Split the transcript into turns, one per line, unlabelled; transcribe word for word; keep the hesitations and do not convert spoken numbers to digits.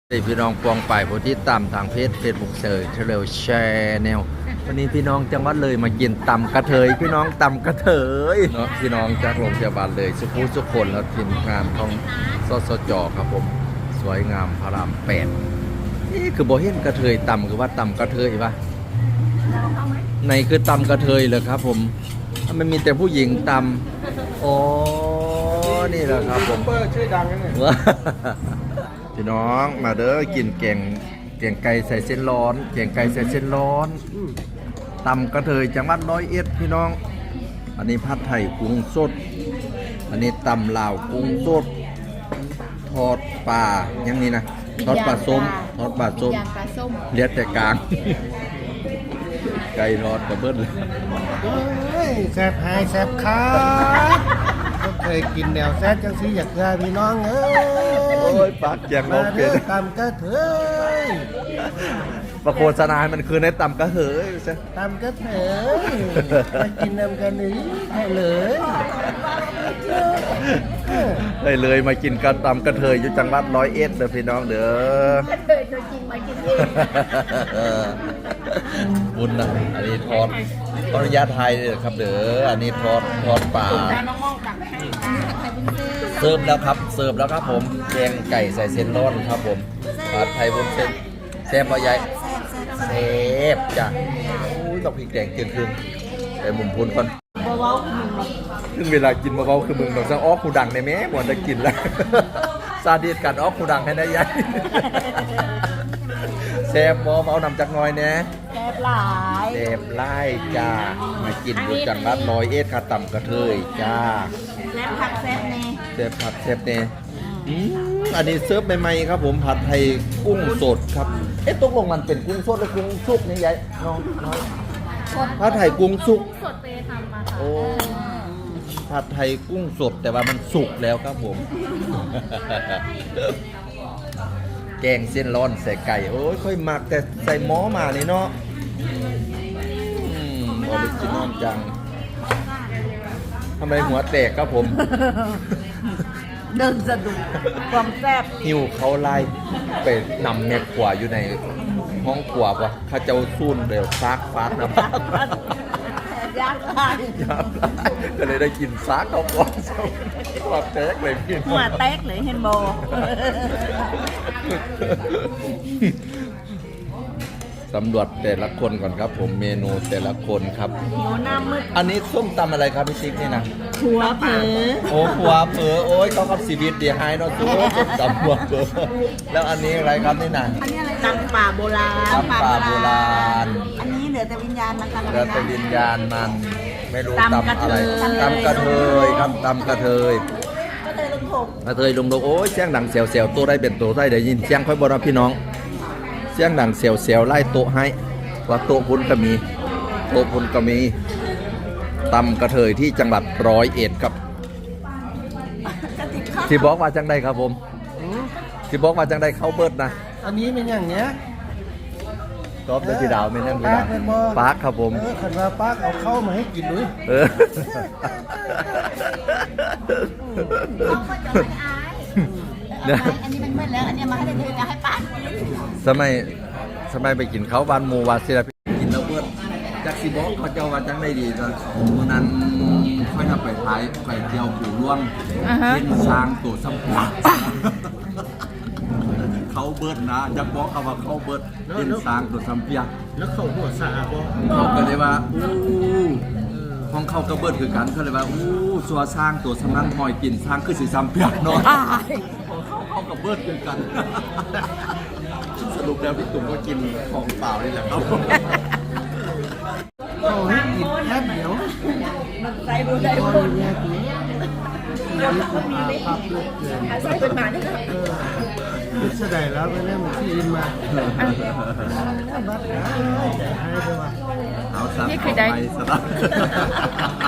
พี่น้องปองป่ายผู้ที่ตามทางเพจเฟซบุ๊กเซอร์เฉลียวแชร์แนววันนี้พี่น้องจังหวัดเลยมากินตำกระเทยพี่น้องตำกระเทยเนาะพี่น้องจากโรงพยาบาลเลยสุขุสุขคนแล้วทีมงานของสสจครับผมสวยงามพระรามแปดนี่คือโบเห็นกระเทยตำคือว่าตำกระเทยปะในคือตำกระเทยเลยครับผมมันมีแต่ผู้หญิงตำอ๋อนี่แหละครับผมชื่อดังนั่นเองพี่น้องมาเด้อกินแกงแกงไก่ใส่เส้นร้อนแกงไก่ใส่เส้นร้อนตำกระเทยจังหวัดร้อยเอ็ดพี่น้องอันนี้ผัดไทยกุ้งสดอันนี้ตำลาวกุ้งสดทอดปลาอย่างนี้นะทอดปลาส้มทอดปลาส้มเลียดแต่กลางไก่ทอดกระเบิ้ลเลย
แซ่บหายแซ่บขาก็เคยกินแนวแซ่บจังสิอยากได้พี่น้องเอ้ย
โอ้ยปากแกงโอเค
ตำกระเทย
ประโฆษณาให้มันคือในตำกระเทยใช่
ตำกระเทยมากินน้ำกันนี้ให้เลย
ได้เลยมากินกันตำกระเทยอยู่จังหวัดร้อยเอ็ดเด้อพี่น้องเด้อกระเทยตัวจริงมากินเองบุญนะอันนี้ทอดขออนุญาตไทยเลยครับเด้ออันนี้ทอดทอดปลาเสิร์ฟแล้วครับเสิร์ฟแล้วครับผมแกงไก่ใส่เส้นร้อนครับผมผัดไทยบนเส้นแซ่บปะยายแซ่บจ้ะต้องพริกแดงเกินครึ่งแต่มุมพุนก่อนถึงเวลากินมาเบาคือมึงต้องสั่งอ้อคูดังในแม่หมดจะกินแล้วซาดิสกันอ้อคูดังให้ได้ยายแซ่บบ่เมานำจากน้อยแน่
แซ่บหลาย
แซ่บไล่จ้ามากินอยู่จังหวัดร้อยเอ็ดค่ะต่ำกระเทยจ้า
แซ่บผักแซ่บเน่
แซ่บผัดแซ่บเน่อันนี้เซิร์ฟใหม่ๆครับผมผัดไทยกุ้งสดครับเอ๊ะตกลงมันเป็นกุ้งสดหรือกุ้งสุกนี่ยายน้องน้อยผัดไทยกุ้งสุก
สดไปทำมาค่ะ
โอ้ผัดไทยกุ้งสดแต่ว่ามันสุกแล้วครับผมแกงเส้นร้อนใส่ไก่โอ้ยค่อยหมักแต่ใส่หม้อมานี่เนาะอืมออริจินอลจังทำไมหัวแตกครับผม
เดินสะดุดความแซ่บ
หิวเขาไล่ไปนำเม็ดขวาอยู่ในห้องขวาปะข้าเจ้าซุ่นเดี๋ยวซากฟาดนะ
ยากลาย
ยากลายก็เลยได้กินซากเขาก่อนหัวแตกเลยพี่
หัวแตกเลยเห็นโบ
สำรวจแต่ละคนก่อนครับผมเมนูแต่ละคนครับ
หิวหน้ามืด
อันนี้ส้มตำอะไรครับพี่ติ๊กนี่นะ
หัวเผลอ
โอ้หัวเผลอโอ้ยเขากับชีวิตเดียร์ไฮเนาะตัวส้มตำหัวเผลอแล้วอันนี้อะไรครับนี่นะ
อันนี้อะไรตำป่าโบราณ
ตำป่าโบราณ
อันนี้เหลือแต่วิญญาณนะคะ
เหลือแต่วิญญาณมันไม่รู้ตำอะไรตำกระเทยครับตำกระเทยกระเทยลงลงโอ้ยเสียงดังเสียวเสียวตัวได้เป็นตัวได้เดี๋ยวยินเสียงค่อยบอกนะพี่น้องเสียงดังเสียวเสียวไล่โต๊ะให้ว่าโต๊ะพุ้นก็มีโต๊ะพุ้นก็มีตำกระเทยที่จังหวัดร้อยเอ็ดครับที่บอกว่าจังได้ครับผมที่บอกว่าจังได้เข้าเบิดนะ
อันนี้เป็นอย่างเนี้ย
ตอบด้วยพี่ดาวไม่นั่นพี่ดาวปาร์คครับผม
เออขันว่าปาร์คเอาเข้ามาให้กินด้วย
เออ
เนี่ยอันนี้มันมืดแล้วอันนี้มาให้เธอแล้วให้ป้า
สมัยสมัยไปกินเขาบ้านมูวาศิลปินกินแล้วเพื่อนจักซีบอกเขาเจ้าว่าจังได้ดีตอนวันนั้นค่อยทำไปท้ายไปเที่ยวปู่ร่วงเล่นช้างตัวสัมผัสเขาเบิร์ดนะจักบอกเขาว่าเขาเบิร์ดเล่นช้างตัวสัมผัส
แล้วเขาหัวสาบ
เขาก็เลยว่าอู้ห้องเขากระเบิดคือกันเขาเลยว่าอู้สัวสร้างตัวสำนักหอยกินสร้างคือสีซ้ำเปียกเนาะเขาเขากระเบิดคือกันสรุปแล้วพี่ตุ่มก็กินของเปล่านี่แหละครับ
เขาให้กินแค่เดียว
ใส่บุญใส่บุญ
เราต้องมีเลย
ใส่เป็นหมาด้วยนะ
คิดเสด็จแล้วไปเล่นที่อินมาบัดนะให้ด้วยว่า
เอาสับไปสลับ